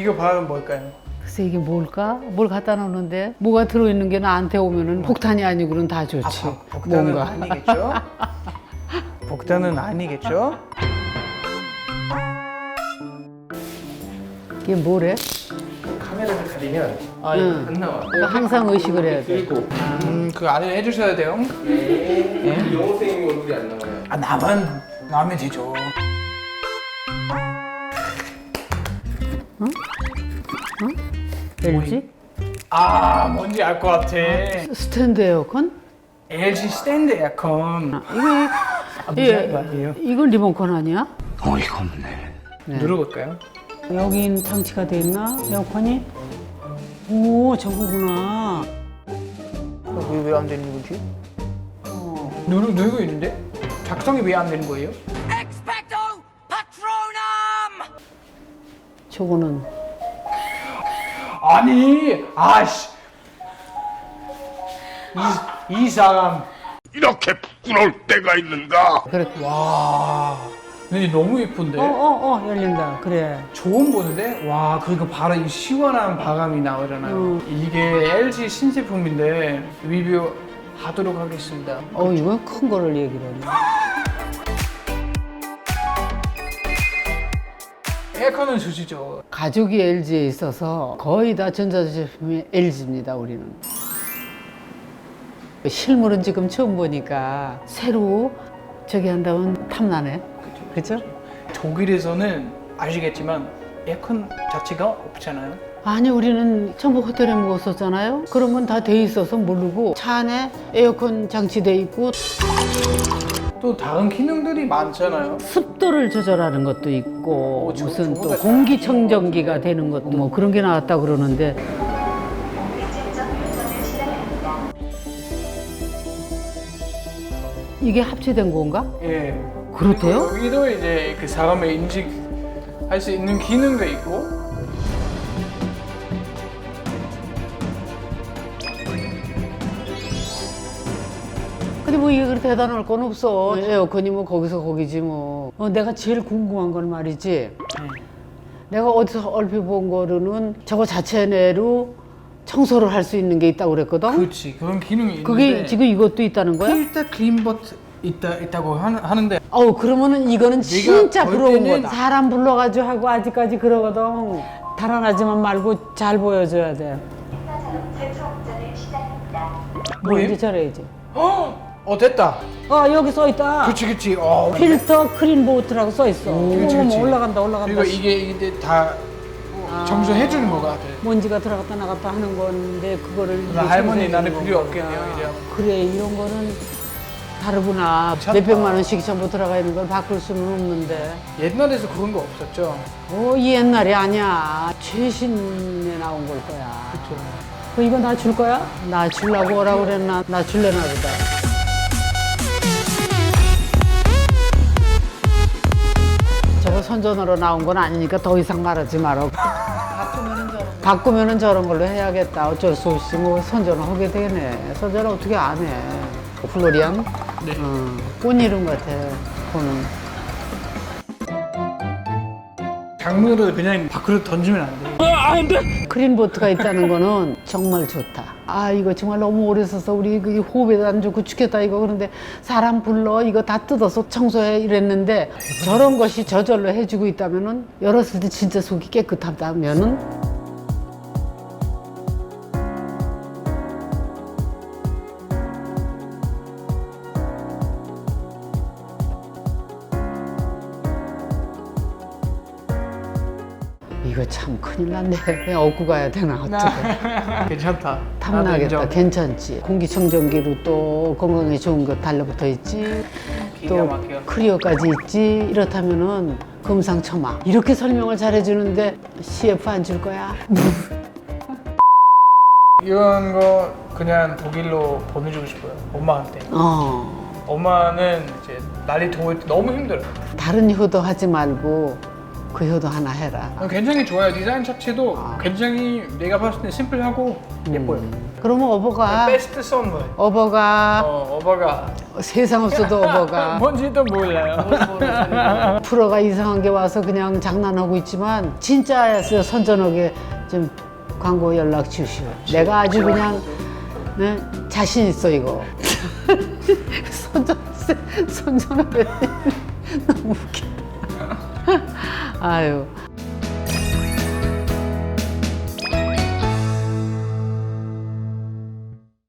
이거 바람은 뭘까요? 글쎄 이게 뭘까? 뭘 갖다 놓는데 뭐가 들어있는 게 나한테 오면은 폭탄이 아니고는 다 좋지. 복단은 뭔가. 아니겠죠? 복단은 아니겠죠? 이게 뭐래? 카메라를 가리면 응. 안 나와. 그러니까 항상 의식을 해야 돼. 그 안에 해주셔야 돼요. 네. 영호 선생님 얼굴이 안 나와요. 아 나면 되죠. LG? 아 뭔지 알 것 같아. 스탠드 에어컨? LG 스탠드 에어컨. 이게 거 아니에요? 이건 리모컨 아니야? 어이가 없네. 눌러볼까요? 여긴 장치가 돼 있나? 에어컨이? 오 저거구나. 왜 안 되는 거지? 누르고 있는데? 작성이 왜 안 되는 거예요? 저거는 아니, 아씨. 이 사람. 이렇게 부끄러울 때가 있는가? 그래. 와. 근데 너무 예쁜데? 열린다. 그래. 좋은 보는데? 와, 그리고 바로 이 시원한 바람이 나오잖아요. 이게 LG 신제품인데 리뷰하도록 하겠습니다. 이건 큰 거를 얘기를 하네. 에어컨은 주시죠. 가족이 LG에 있어서 거의 다 전자제품이 LG입니다, 우리는. 실물은 지금 처음 보니까 새로 저기 한다면 탐나네. 그죠? 독일에서는 아시겠지만 에어컨 자체가 없잖아요. 아니, 우리는 전부 호텔에 묵었었잖아요. 그런 건 다 돼 있어서 모르고 차 안에 에어컨 장치돼 있고 또 다른 기능들이 많잖아요. 습도를 조절하는 것도 있고 무슨 또 저거가 공기청정기가 되는 것도 뭐 그런 게 나왔다 그러는데 이게 합체된 건가? 예. 그렇대요? 여기도 이제 그 사람의 인식할 수 있는 기능도 있고. 근데 뭐 이게 그렇게 대단할 건 없어. 에어컨이 뭐 거기서 거기지 뭐. 내가 제일 궁금한 건 말이지. 내가 어디서 얼핏 본 거로는 저거 자체 내로 청소를 할 수 있는 게 있다고 그랬거든. 그렇지. 그런 기능이 있는데. 그게 지금 이것도 있다는 거야? 필터 클린버트 있다고 하는데. 그러면은 이거는 진짜 볼 부러운 때는 거다. 사람 불러가지고 하고 아직까지 그러거든. 달아나지만 말고 잘 보여줘야 돼. 뭐예요? 이제 저래야지. 됐다. 여기 써 있다. 그치. 필터 크린보트라고 써 있어. 그치. 어머, 올라간다. 그리고 이게 다 청소해 주는 거 같아. 먼지가 들어갔다 나갔다 하는 건데 그거를 이제 할머니 청소해 나는 주는 필요 거구나. 없겠네요, 이제. 그래, 이런 거는 다르구나. 괜찮다. 몇백만 원씩 전부 들어가 있는 걸 바꿀 수는 없는데. 옛날에서 그런 거 없었죠. 이 옛날이 아니야. 최신에 나온 걸 거야. 그쵸. 이거 나 줄 거야? 나 주려고 오라고 그랬나? 나 줄래나 보다. 저거 선전으로 나온 건 아니니까 더 이상 말하지 마라. 바꾸면은 저런 걸로 해야겠다. 어쩔 수 없이 뭐 선전을 하게 되네. 선전을 어떻게 안 해. 플로리안? 네. 꽃 이름 같아. 그거는. 작물을 그냥 밖으로 던지면 안 돼. 크린보트가 있다는 거는 정말 좋다. 이거 정말 너무 오래 써서 우리 그 호흡에도 안 좋고 죽겠다 이거. 그런데 사람 불러 이거 다 뜯어서 청소해 이랬는데 저런 것이 저절로 해주고 있다면은 열었을 때 진짜 속이 깨끗하다면은 이거 참 큰일 났네. 그냥 얻고 가야 되나 어떡해. 괜찮다. 나도 탐나겠다. 인정. 괜찮지. 공기청정기로 또 건강에 좋은 거 달라붙어 있지. 기가 또 막혀. 크리어까지 있지. 이렇다면은 금상첨화. 이렇게 설명을 잘해주는데 CF 안 줄 거야? 이런 거 그냥 독일로 보내주고 싶어요. 엄마한테. 엄마는 이제 날이 더울 때 너무 힘들어요. 다른 효도 하지 말고 그 효도 하나 해라. 굉장히 좋아요. 디자인 자체도 굉장히 내가 봤을 때 심플하고 예뻐요. 그러면 어버가 베스트 선물. 어버가 어버가 세상 없어도 어버가 뭔지도 몰라요. 프로가 이상한 게 와서 그냥 장난하고 있지만 진짜였어요. 선전하게 좀 광고 연락 주시오. 내가 아주 그냥 네, 자신 있어 이거. 선전하게 너무 웃겨. 아유.